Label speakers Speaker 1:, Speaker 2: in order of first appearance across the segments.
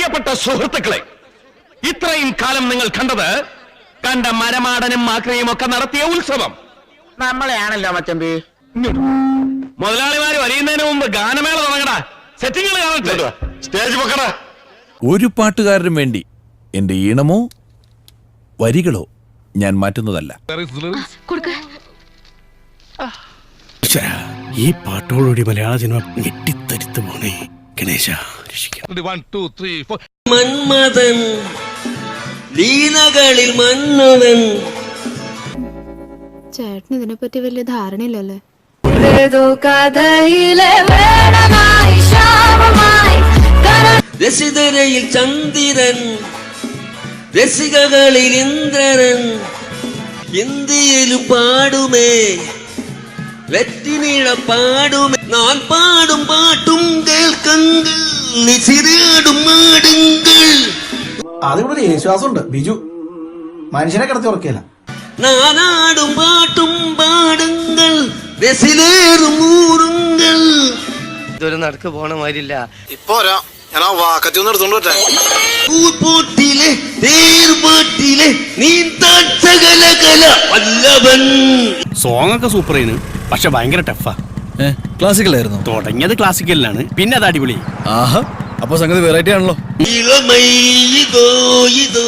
Speaker 1: പ്രിയപ്പെട്ട സുഹൃത്തുക്കളെ, ഇത്രയും കാലം നിങ്ങൾ കണ്ട മരമാടനും മാക്രിയും ഒക്കെ നടത്തിയ ഉത്സവം
Speaker 2: നമ്മളെയാണല്ലോ മച്ചമ്പി.
Speaker 1: മുതലാളിമാര് വരിയുന്നതിന് മുമ്പ് ഗാനമേള തുടങ്ങടാ. സെറ്റിങ്ങൾ കാണട്ടെ. സ്റ്റേജ് പൊക്കടാ.
Speaker 3: ഒരു പാട്ടുകാരനും വേണ്ടി എന്റെ ഈണമോ വരികളോ ഞാൻ മാറ്റുന്നതല്ല.
Speaker 4: ഈ പാട്ടോടുകൂടി മലയാള സിനിമ ഞെട്ടിത്തരിത്ത് പോണേ. ഗണേശ
Speaker 5: മന്മഥൻ ലീലകളിൽ മന്നവൻ.
Speaker 6: ചേട്ടന് ഇതിനെപ്പറ്റി വലിയ ധാരണയില്ലല്ലേ?
Speaker 5: രസിതരയിൽ ചന്ദ്രൻ, രസികകളിൽ ഇന്ദ്രൻ. ഹിന്ദിയിലും പാടുമേ, വെറ്റിനിഴ പാടുമേ. ഞാൻ പാടും പാട്ടും കേൾക്കുങ്ങൾ, നിസിരാടും മാടുങ്ങൾ.
Speaker 7: അതിവിടെ യേശുദാസുണ്ട്. ബിജു മനുഷ്യനെ കിടത്തി ഉറക്കിയല്ല.
Speaker 5: നാനാടും പാട്ടും പാടുങ്ങൾ, രസിലേറും ഊറുങ്ങൾ. ഇതൊരു നടക്ക് പോണ മാതിരില്ല.
Speaker 7: ഇപ്പൊ ഞാൻ ആ വാക്കത്തി ഒന്ന് എടുത്തോണ്ട് വരട്ടെ.
Speaker 5: പൂപ്പോട്ടിലെ തേർപാട്ടിലെ നീന്തകല വല്ലവൻ.
Speaker 4: സോങ് ഒക്കെ സൂപ്പർ ആയിരുന്നു, പക്ഷെ ഭയങ്കര ടഫാ.
Speaker 3: ക്ലാസിക്കൽ ആയിരുന്നു.
Speaker 4: തുടങ്ങിയത് ക്ലാസിക്കലിലാണ്, പിന്നെ അത് അടിപൊളി.
Speaker 3: ആഹാ, അപ്പൊ സംഗതി വെറൈറ്റി ആണല്ലോ.
Speaker 5: ഇളമൈതോ ഇതോ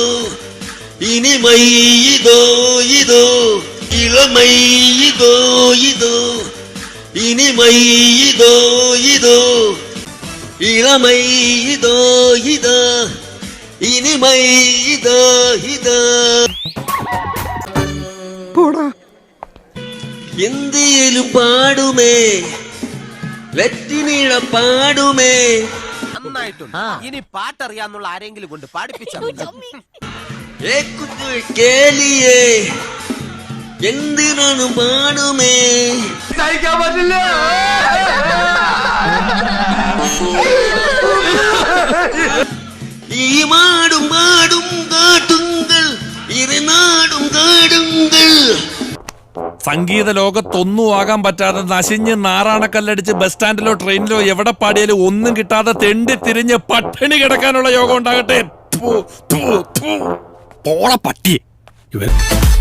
Speaker 5: ഇനിമൈതോ ഇതോ. ഇളമൈതോ ഇതോ ഇനിമൈതോ ഇതോ. ഇളമൈതോ ഇതോ ഇനിമൈതോ ഇതോ. ഹിന്ദിയിലും പാടുമേ, വെറ്റിനിഴ പാടുമേ.
Speaker 2: ഇനി പാട്ടറിയാന്നുള്ള ആരെങ്കിലും കൊണ്ട് പാടിപ്പിച്ചു.
Speaker 5: കേളിയേ എന്തിനാണ് പാടുമേ.
Speaker 1: സഹിക്കാൻ പറ്റില്ല.
Speaker 5: ഈ മാടും പാടും കാട്ടുങ്ങൾ, ഇരുനാടും കാടുങ്ങൾ.
Speaker 3: സംഗീത ലോകത്തൊന്നും ആകാൻ പറ്റാതെ നശിഞ്ഞ് നാറാണക്കല്ലടിച്ച് ബസ് സ്റ്റാൻഡിലോ ട്രെയിനിലോ എവിടെ പാടിയാലും ഒന്നും കിട്ടാതെ തെണ്ടി തിരിഞ്ഞ് പട്ടിണി കിടക്കാനുള്ള യോഗം ഉണ്ടാകട്ടെ.
Speaker 4: പോള പട്ടി ഇവൻ.